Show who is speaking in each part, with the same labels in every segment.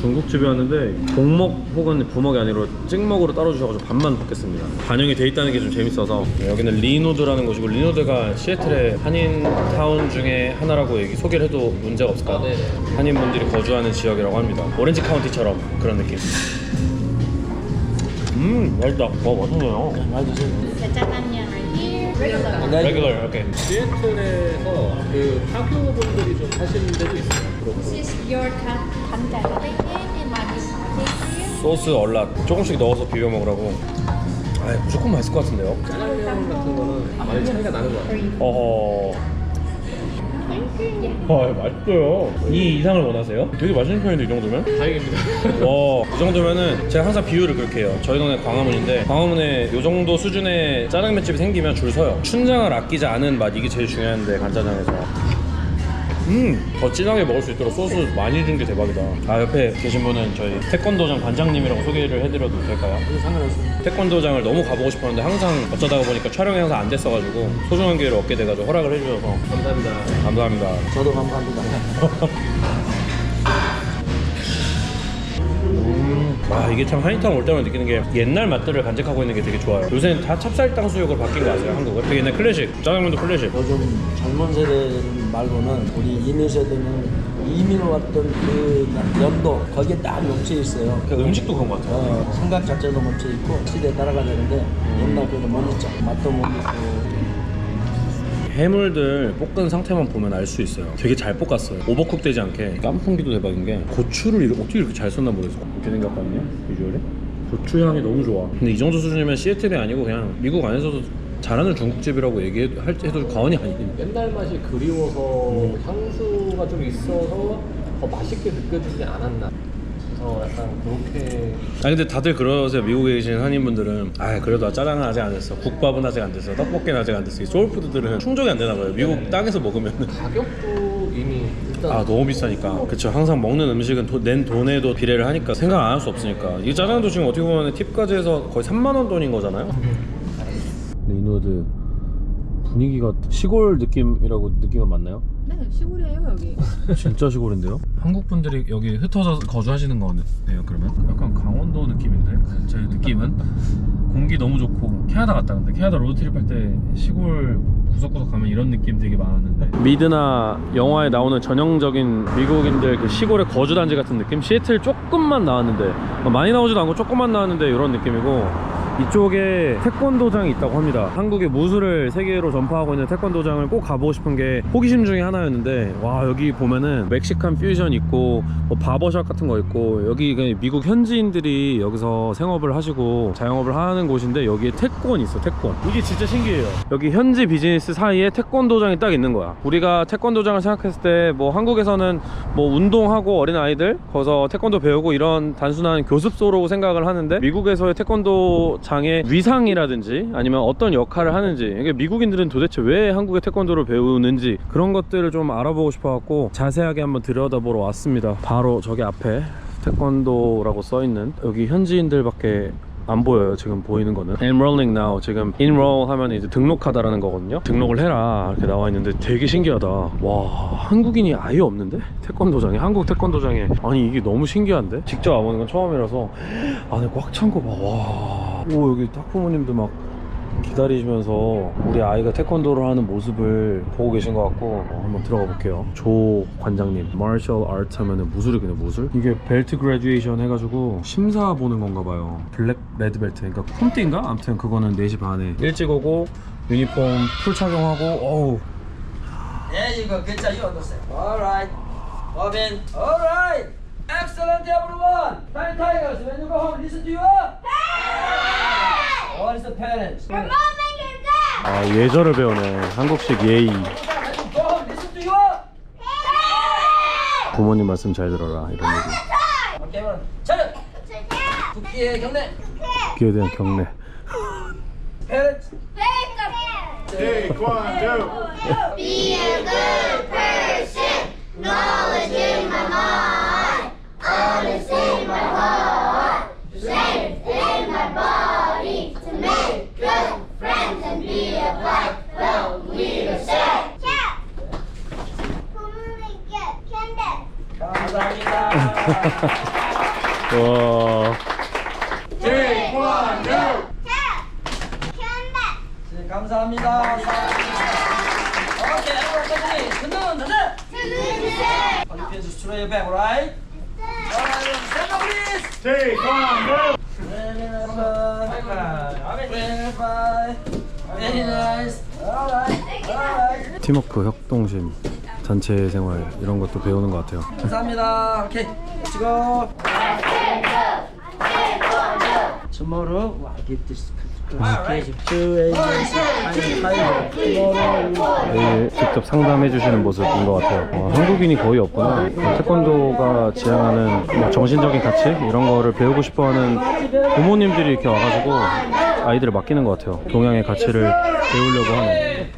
Speaker 1: 중국집이었는데 복먹 혹은 부먹이 아니라 찍먹으로 따로 주셔가지고 반만 볶겠습니다. 반영이 돼 있다는 게 좀 재밌어서. 여기는 리노드라는 곳이고, 리노드가 시애틀의 한인타운 중에 하나라고 얘기 소개를 해도 문제가 없을까요? 네. 한인분들이 거주하는 지역이라고 합니다. 오렌지 카운티처럼 그런 느낌. 맛있다. 맛있네요.
Speaker 2: 많이 드세요.
Speaker 3: The 짜장면 right here. Regular.
Speaker 1: 레귤러, 오케이.
Speaker 2: 시애틀에서 그 학교분들이 좀 하시는 데도 있어요.
Speaker 3: This is your 간장. It might be sauteed for you.
Speaker 1: 소스 얼랏 조금씩 넣어서 비벼 먹으라고. 아, 무조건 맛있을 것 같은데요?
Speaker 2: 짜장면 같은 거는 많이 차이가 나는 것 같아요.
Speaker 1: 어허. 맛있어요. 이 이상을 원하세요? 되게 맛있는 편인데, 이 정도면?
Speaker 2: 다행입니다.
Speaker 1: 와, 이 정도면은 제가 항상 비유를 그렇게 해요. 저희 동네 광화문인데, 광화문에 이 정도 수준의 짜장면집이 생기면 줄 서요. 춘장을 아끼지 않은 맛, 이게 제일 중요한데, 간짜장에서. 더 진하게 먹을 수 있도록 소스 많이 준 게 대박이다. 아, 옆에 계신 분은 저희 태권도장 관장님이라고 소개를 해드려도 될까요?
Speaker 2: 상관없어요.
Speaker 1: 태권도장을 너무 가보고 싶었는데 항상 어쩌다가 보니까 촬영이 항상 안 됐어가지고 소중한 기회를 얻게 돼가지고 허락을 해주셔서
Speaker 2: 감사합니다.
Speaker 1: 감사합니다.
Speaker 2: 저도 감사합니다.
Speaker 1: 아, 이게 참 한인타운 올 때마다 느끼는 게 옛날 맛들을 간직하고 있는 게 되게 좋아요. 요새는 다 찹쌀땅 수육으로 바뀐 거 아세요? 한국은? 되게 옛날 클래식, 짜장면도 클래식.
Speaker 4: 요즘 젊은 세대 말고는 우리 이민 세대는 이민 왔던 그 연도 거기에 딱 멈춰 있어요.
Speaker 1: 그 음식도 그런 거 같아요.
Speaker 4: 생각 자체도 멈춰 있고 시대에 따라가야 되는데 옛날 그래도 못 잊죠. 맛도 못 잊고.
Speaker 1: 해물들 볶은 상태만 보면 알 수 있어요. 되게 잘 볶았어요. 오버쿡 되지 않게. 깐풍기도 대박인 게 고추를 어떻게 이렇게 잘 썼나 모르겠어. 이렇게 생겼거든요, 비주얼이. 고추 향이 너무 좋아. 근데 이 정도 수준이면 시애틀이 아니고 그냥 미국 안에서도 잘하는 중국집이라고 얘기해도 과언이 아니거든요.
Speaker 2: 옛날 맛이 그리워서 향수가 좀 있어서 더 맛있게 느껴지지 않았나. 그래서 약간 그렇게.
Speaker 1: 아니 근데 다들 그러세요. 미국에 계신 한인분들은 아 그래도 짜장은 아직 안 됐어, 국밥은 아직 안 됐어, 떡볶이는 아직 안 됐어. 이 소울푸드들은 충족이 안 되나 봐요. 미국 땅에서 먹으면.
Speaker 2: 가격도 이미 일단
Speaker 1: 아 너무 비싸니까. 그쵸. 항상 먹는 음식은 낸 돈에도 비례를 하니까 생각 안 할 수 없으니까. 이 짜장도 지금 어떻게 보면 팁까지 해서 거의 3만 원 돈인 거잖아요. 리노드 분위기가 시골 느낌이라고 느끼면 맞나요?
Speaker 5: 네, 시골이에요 여기.
Speaker 1: 진짜 시골인데요? 한국 분들이 여기 흩어져 거주하시는 거네요. 그러면 약간 강원도 느낌인데 제 느낌은 공기 너무 좋고. 캐나다 갔다 근데 캐나다 로드트립 할 때 시골 구석구석 가면 이런 느낌 되게 많았는데, 미드나 영화에 나오는 전형적인 미국인들 그 시골의 거주단지 같은 느낌? 시애틀 조금만 나왔는데, 많이 나오지도 않고 조금만 나왔는데 이런 느낌이고, 이쪽에 태권도장이 있다고 합니다. 한국의 무술을 세계로 전파하고 있는 태권도장을 꼭 가보고 싶은 게 호기심 중에 하나였는데, 와 여기 보면은 멕시칸 퓨전 있고 뭐 바버샵 같은 거 있고, 여기 미국 현지인들이 여기서 생업을 하시고 자영업을 하는 곳인데, 여기에 태권이 있어. 태권. 이게 진짜 신기해요. 여기 현지 비즈니스 사이에 태권도장이 딱 있는 거야. 우리가 태권도장을 생각했을 때 뭐 한국에서는 뭐 운동하고 어린 아이들 거기서 태권도 배우고 이런 단순한 교습소로 생각을 하는데, 미국에서의 태권도 장의 위상이라든지 아니면 어떤 역할을 하는지, 이게 미국인들은 도대체 왜 한국의 태권도를 배우는지 그런 것들을 좀 알아보고 싶어갖고 자세하게 한번 들여다보러 왔습니다. 바로 저기 앞에 태권도라고 써있는, 여기 현지인들밖에 안 보여요. 지금 보이는 거는 Enrolling now. 지금 Enroll 하면 이제 등록하다라는 거거든요. 등록을 해라 이렇게 나와 있는데 되게 신기하다. 와 한국인이 아예 없는데? 태권도장에, 한국 태권도장에. 아니 이게 너무 신기한데? 직접 와보는 건 처음이라서 안에 꽉 찬 거 봐. 와. 오 여기 학부모님도 막 기다리시면서 우리 아이가 태권도를 하는 모습을 보고 계신 것 같고, 한번 들어가 볼게요. 조 관장님, 마셜 아트 하면은 무술이겠네. 무술? 이게 벨트 그래듀에이션 해가지고 심사 보는 건가 봐요. 블랙 레드 벨트, 그러니까 콤띠인가? 아무튼 그거는 4시 반에 일찍 오고 유니폼 풀 착용하고. 어우.
Speaker 4: There you go. Good job. You understand. All right. Robin. All right. Excellent, everyone. Tiny Tigers, when you go home, listen to you. What is the parents?
Speaker 1: 아 예절을 배우네. 한국식 예의.
Speaker 4: Go home, listen to you.
Speaker 1: 부모님 말씀 잘 들어라 이런 얘기.
Speaker 4: 오케이, 그럼 차렷. 국기의 경례.
Speaker 1: 국기에 대한 경례.
Speaker 4: Parents.
Speaker 6: Take 1, 2.
Speaker 3: Be a good person. Knowledge in my mind. Honest in my heart. Strength in my body. To make good friends and be a bright, well leadership.
Speaker 4: 감사합니다.
Speaker 1: 와.
Speaker 4: 네, 감사합니다. 오케이, everybody, 흔들흔 자세. Please straight your back, right? Alright, stand up, please. Very nice. Alright.
Speaker 1: 팀워크, 협동심, 단체 생활 이런 것도 배우는 것 같아요.
Speaker 4: 감사합니다. 오케이, let's go. Tomorrow, I give this to
Speaker 1: 내일 직접 상담해 주시는 모습인 것 같아요. 한국인이 거의 없구나. 태권도가 지향하는 뭐 정신적인 가치 이런 거를 배우고 싶어하는 부모님들이 이렇게 와가지고 아이들을 맡기는 것 같아요. 동양의 가치를 배우려고 하는.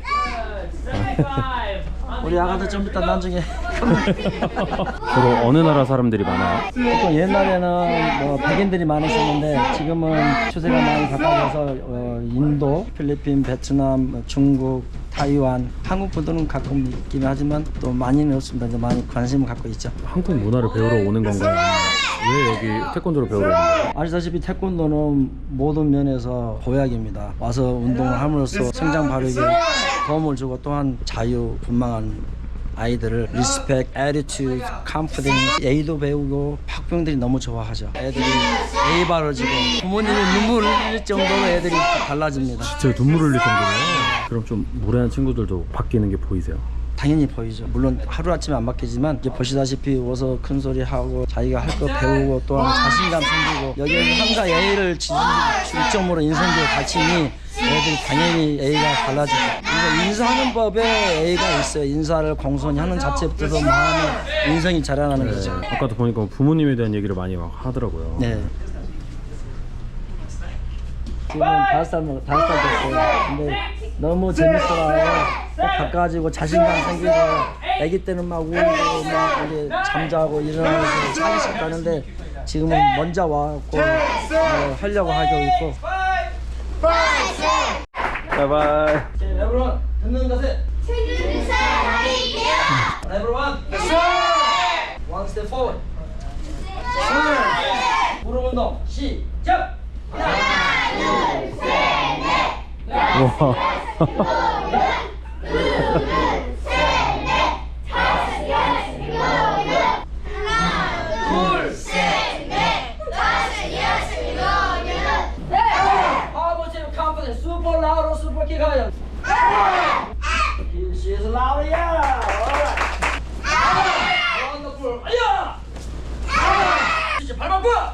Speaker 4: 우리 아가들 좀 이따 나중에
Speaker 1: 주로 어느 나라 사람들이 많아요?
Speaker 4: 보통 옛날에는 뭐 백인들이 많았었는데 지금은 추세가 많이 바뀌어서 인도, 필리핀, 베트남, 중국, 타이완, 한국 분들은 가끔 있긴 하지만 또 많이는 없습니다. 이제 많이 관심을 갖고 있죠.
Speaker 1: 한국 문화를 배우러 오는 건가요? 왜 여기 태권도를 배우러 오는 거예요?
Speaker 4: 아시다시피 태권도는 모든 면에서 보약입니다. 와서 운동을 함으로써 성장 발육에 도움을 주고 또한 자유분방한 아이들을 리스펙, 애티튜드, 컨피던스, A도 배우고 학부형들이 너무 좋아하죠. 애들이 A 바르지고 부모님이 눈물을 흘릴 정도로 애들이 달라집니다.
Speaker 1: 진짜 눈물 흘릴 정도네요. 그럼 좀 무례한 친구들도 바뀌는 게 보이세요?
Speaker 4: 당연히 보이죠. 물론 하루아침에 안 바뀌지만 이제 보시다시피 와서 큰 소리 하고 자기가 할 거 배우고 또한 자신감 생기고 여기에서 항상 A를 중점으로 인성적으로 가르치니 애들이 당연히 A가 달라지죠. 그래서 인사하는 법에 A가 있어요. 인사를 공손히 하는 자체부터 마음의 인성이 자라나는 거죠.
Speaker 1: 아까도 보니까 부모님에 대한 얘기를 많이 막 하더라고요.
Speaker 4: 네. 지금 5살 됐어요. 근데 너무 재밌어요. 바꿔가지고 자신감 생기고 아기 때는 막 울고 막 이제 잠자고 일어나서 차기 시작하는데 지금은 먼저 와갖고 하려고 하고 있고.
Speaker 1: 바이바이.
Speaker 4: everyone 듣는 자세. everyone one step forward. 무릎 운동 시작.
Speaker 1: 와.
Speaker 4: Super loud or super kick higher. She's loud, yeah. Alright. Wonderful. Yeah. 진짜 발만 봐.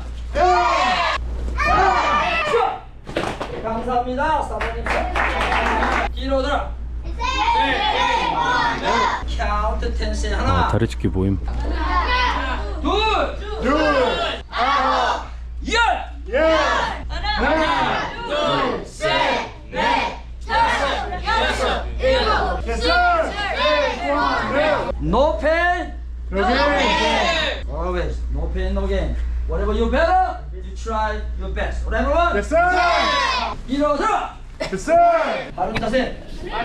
Speaker 4: 감사합니다, 사모님. 뒤로 들어. 카운트 10세 하나.
Speaker 1: 다리 찢기 모임.
Speaker 4: 둘. 열.
Speaker 3: 하나, 둘, 셋, 넷, 다섯, 여섯, 일곱,
Speaker 4: No pain. Always no pain, no gain. Whatever you better, you try your best. Whatever one.
Speaker 5: Yes, sir.
Speaker 4: 일어서.
Speaker 5: Yes, sir.
Speaker 4: 바른 자세.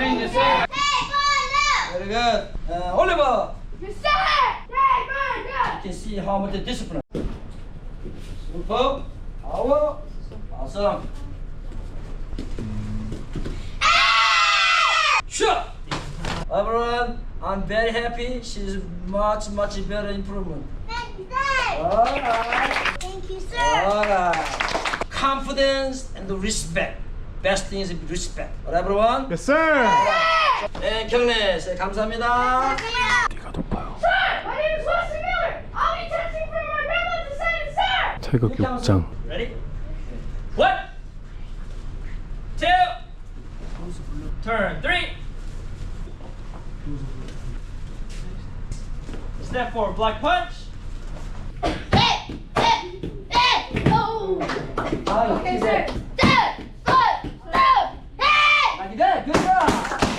Speaker 4: Very good. Oliver. You can see how much discipline. Super. Power. Awesome. Sure. Everyone, I'm very happy. She's much better improvement. Alright.
Speaker 3: Thank you, sir.
Speaker 4: Alright. Confidence and the respect. Best thing is respect. Alright, everyone?
Speaker 5: Yes, sir.
Speaker 4: 네, 경례. 감사합니다.
Speaker 1: 네가 높아요.
Speaker 6: Sir, my name is Wesley Miller. I'll be testing for my medal at the same, sir.
Speaker 1: 태극 욕장.
Speaker 4: Ready? 1, 2, turn 3. Step forward, black punch.
Speaker 3: Hey, hey, hey, oh.
Speaker 4: Okay, sir.
Speaker 3: Hey.
Speaker 4: Like that, good job.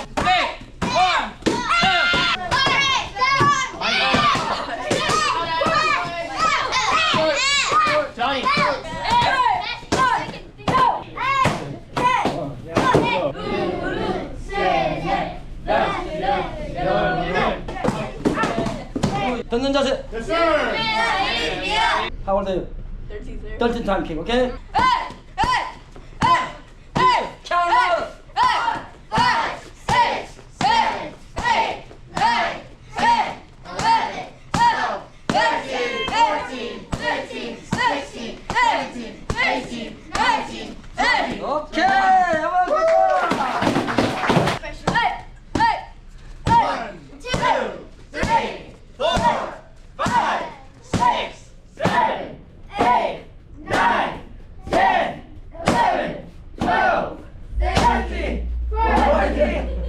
Speaker 3: Johnny.
Speaker 4: 듣는 자세.
Speaker 5: Yes, sir.
Speaker 4: How old are you? 13 time kick, okay? Count up!
Speaker 3: 5, 6, 7, 8, 9, 10, 11, 12, 13, 14, 15, 16, 17, 18, 19, 20.
Speaker 4: Okay, everyone good job!
Speaker 3: 1, 2, 3, 4, 5, 6, 7, 8, 9, 10, 11, 12, 13, 14.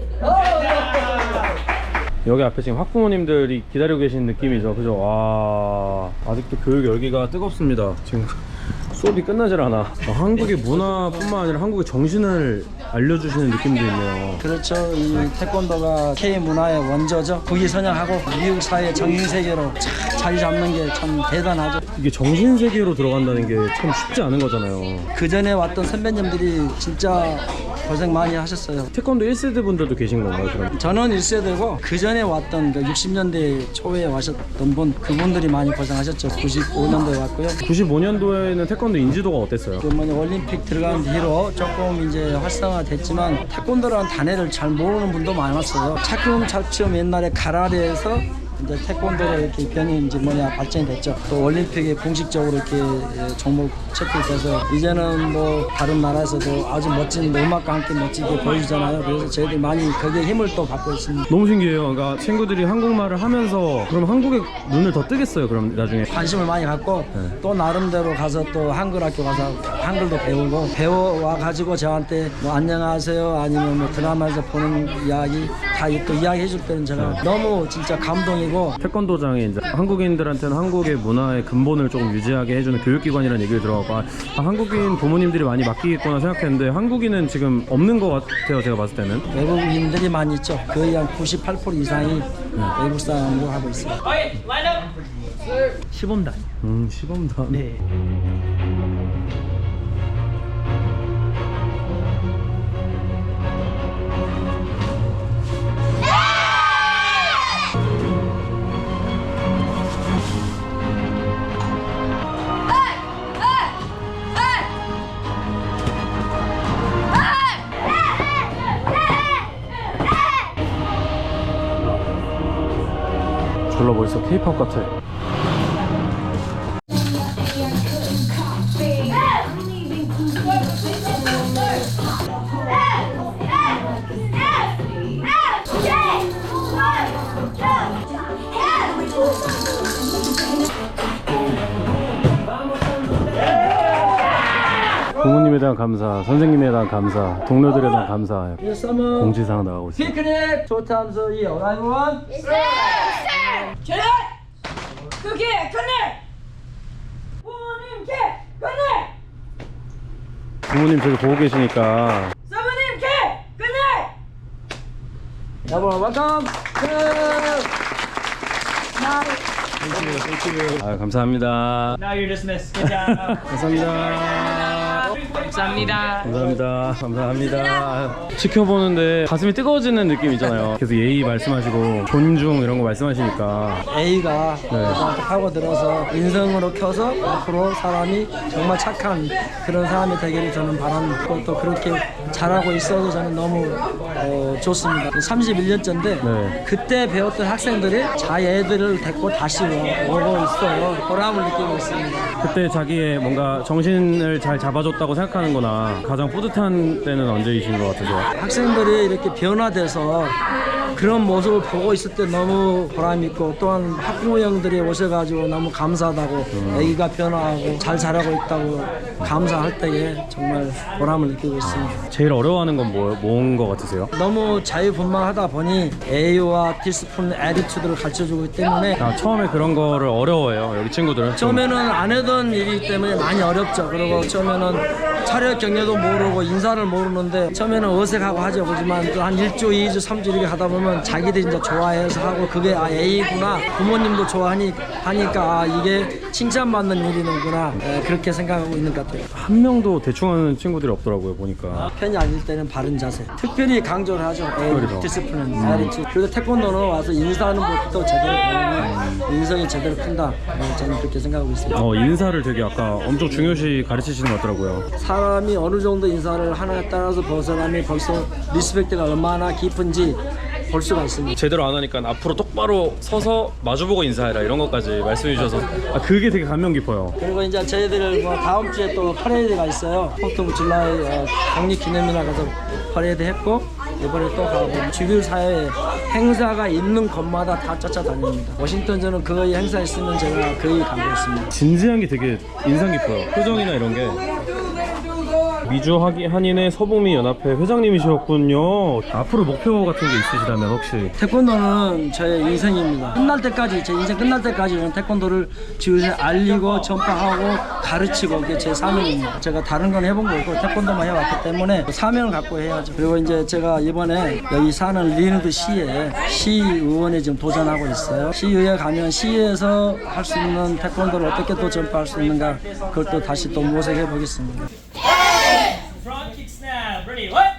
Speaker 1: 여기 앞에 지금 학부모님들이 기다리고 계신 느낌이죠. 그죠? 와, 아직도 교육 열기가 뜨겁습니다. 지금 수업이 끝나질 않아. 한국의 문화뿐만 아니라 한국의 정신을 알려주시는 느낌도 있네요.
Speaker 4: 그렇죠. 이 태권도가 K 문화의 원조죠. 국위 선양하고 미국 사회 정신 세계로 자리 잡는 게 참 대단하죠.
Speaker 1: 이게 정신 세계로 들어간다는 게 참 쉽지 않은 거잖아요.
Speaker 4: 그 전에 왔던 선배님들이 진짜 고생 많이 하셨어요.
Speaker 1: 태권도 1세대 분들도 계신 건가요, 그럼?
Speaker 4: 저는 1세대고 그 전에 왔던 그 60년대 초에 와셨던 분 그분들이 많이 고생하셨죠. 95년도에 왔고요.
Speaker 1: 95년도에는 태권도 인지도가 어땠어요?
Speaker 4: 그 뭐냐 올림픽 들어간 뒤로 조금 이제 활성화됐지만 태권도라는 단어를 잘 모르는 분도 많았어요. 차츰차츰 옛날에 가라데에서 이제 태권도로 이렇게 변이 이제 발전이 됐죠. 또 올림픽에 공식적으로 이렇게 종목 채택돼서 이제는 뭐 다른 나라에서도 아주 멋진 음악과 함께 멋지게 보여주잖아요. 그래서 저희들 많이 거기에 힘을 또 받고 있습니다.
Speaker 1: 너무 신기해요. 그러니까 친구들이 한국말을 하면서 그럼 한국의 눈을 더 뜨겠어요, 그럼 나중에.
Speaker 4: 관심을 많이 갖고 또 나름대로 가서 또 한글 학교 가서 한글도 배우고 배워와 가지고 저한테 뭐 안녕하세요 아니면 뭐 드라마에서 보는 이야기 다 또 이야기해 줄 때는 제가 너무 진짜 감동이고.
Speaker 1: 태권도장에 이제 한국인들한테는 한국의 문화의 근본을 조금 유지하게 해주는 교육기관이라는 얘기를 들어가고 한국인 부모님들이 많이 맡기겠구나 생각했는데 한국인은 지금 없는 것 같아요, 제가 봤을 때는.
Speaker 4: 외국인들이 많이 있죠. 거의 한 98% 이상이 외국 사람으로 하고 있어요. 시범단.
Speaker 1: 시범단.
Speaker 4: 네.
Speaker 1: 졸라 멋있어. K-pop 같아. 부모님에 대한 감사, 선생님에 대한 감사, 동료들에 대한 감사. 공지사항 나가고 있어요.
Speaker 4: 피크닉 조탐소 2 everyone.
Speaker 6: 전화! 그게 그늘! 부모님께 그늘!
Speaker 1: 부모님 저기 보고 계시니까.
Speaker 6: 사부님께 그늘!
Speaker 4: 여러분 welcome.
Speaker 1: 아, 감사합니다.
Speaker 5: Now you're dismissed. Good job.
Speaker 1: 감사합니다.
Speaker 5: 감사합니다.
Speaker 1: 감사합니다. 감사합니다. 지켜보는데 가슴이 뜨거워지는 느낌 있잖아요. 계속 예의 말씀하시고 존중 이런 거 말씀하시니까.
Speaker 4: A가 하고 들어서 인성으로 켜서 앞으로 사람이 정말 착한 그런 사람이 되기를 저는 바랍니다. 또 그렇게 잘하고 있어서 저는 너무 좋습니다. 31년째인데
Speaker 1: 네.
Speaker 4: 그때 배웠던 학생들이 자애들을 데리고 다시 오고 있어요. 보람을 느끼고 있습니다.
Speaker 1: 그때 자기의 뭔가 정신을 잘 잡아줬다고 생각하는구나. 가장 뿌듯한 때는 언제이신 것 같으세요?
Speaker 4: 학생들이 이렇게 변화돼서 그런 모습을 보고 있을 때 너무 보람 있고 또한 학부모 형들이 오셔가지고 너무 감사하다고 애기가 변화하고 잘 자라고 있다고 감사할 때에 정말 보람을 느끼고 있습니다.
Speaker 1: 제일 어려워하는 건 뭔 것 같으세요?
Speaker 4: 너무 자유분방하다 보니 A와 디스플린 애티튜드를 가르쳐주고 있기 때문에
Speaker 1: 처음에 그런 거를 어려워해요, 여기 친구들은.
Speaker 4: 처음에는 안 하던 일이기 때문에 많이 어렵죠. 그리고 처음에는 차렷 경례도 모르고 인사를 모르는데 처음에는 어색하고 하죠. 그렇지만 또 한 1주, 2주, 3주 이렇게 하다 보면 자기들이 이제 좋아해서 하고 그게 A구나 부모님도 좋아하니까 이게 칭찬받는 일이는구나 그렇게 생각하고 있는 것 같아요.
Speaker 1: 한 명도 대충 하는 친구들이 없더라고요 보니까.
Speaker 4: 편이 아닐 때는 바른 자세 특별히 강조를 하죠.
Speaker 1: 그렇죠.
Speaker 4: 디스플린, 에리티. 그리고 태권도는 와서 인사하는 것부터 제대로 배우면 인성이 제대로 큰다. 저는 그렇게 생각하고 있습니다.
Speaker 1: 인사를 되게 아까 엄청 중요시 가르치시는 것 같더라고요.
Speaker 4: 사람이 어느 정도 인사를 하느냐에 따라서 그 사람이 벌써 리스펙트가 얼마나 깊은지 볼 수가 있습니다.
Speaker 1: 제대로 안 하니까 앞으로 똑바로 서서 마주보고 인사해라 이런 것까지 말씀해 주셔서 그게 되게 감명 깊어요.
Speaker 4: 그리고 이제 저희들 뭐 다음 주에 또 퍼레이드가 있어요. 4th of July 독립기념일날 가서 퍼레이드 했고 이번에 또 가고 주류 사회에 행사가 있는 곳마다 다 쫓아다닙니다. 워싱턴주는 거의 행사 있으면 제가 거의 가고 있습니다.
Speaker 1: 진지한 게 되게 인상 깊어요. 표정이나 이런 게. 미주 한인의 서북미 연합회 회장님이셨군요. 앞으로 목표 같은 게 있으시다면 혹시?
Speaker 4: 태권도는 저의 인생입니다. 끝날 때까지 제 인생 끝날 때까지 저는 태권도를 지구에 알리고 전파하고 가르치고 그게 제 사명입니다. 제가 다른 건 해본 거 없고 태권도만 해왔기 때문에 사명을 갖고 해야죠. 그리고 이제 제가 이번에 여기 사는 리누드 시에 시의원에 지금 도전하고 있어요. 시의회 가면 시에서 할 수 있는 태권도를 어떻게 또 전파할 수 있는가 그걸 또 다시 또 모색해 보겠습니다.
Speaker 5: Front kick snap. Ready? What?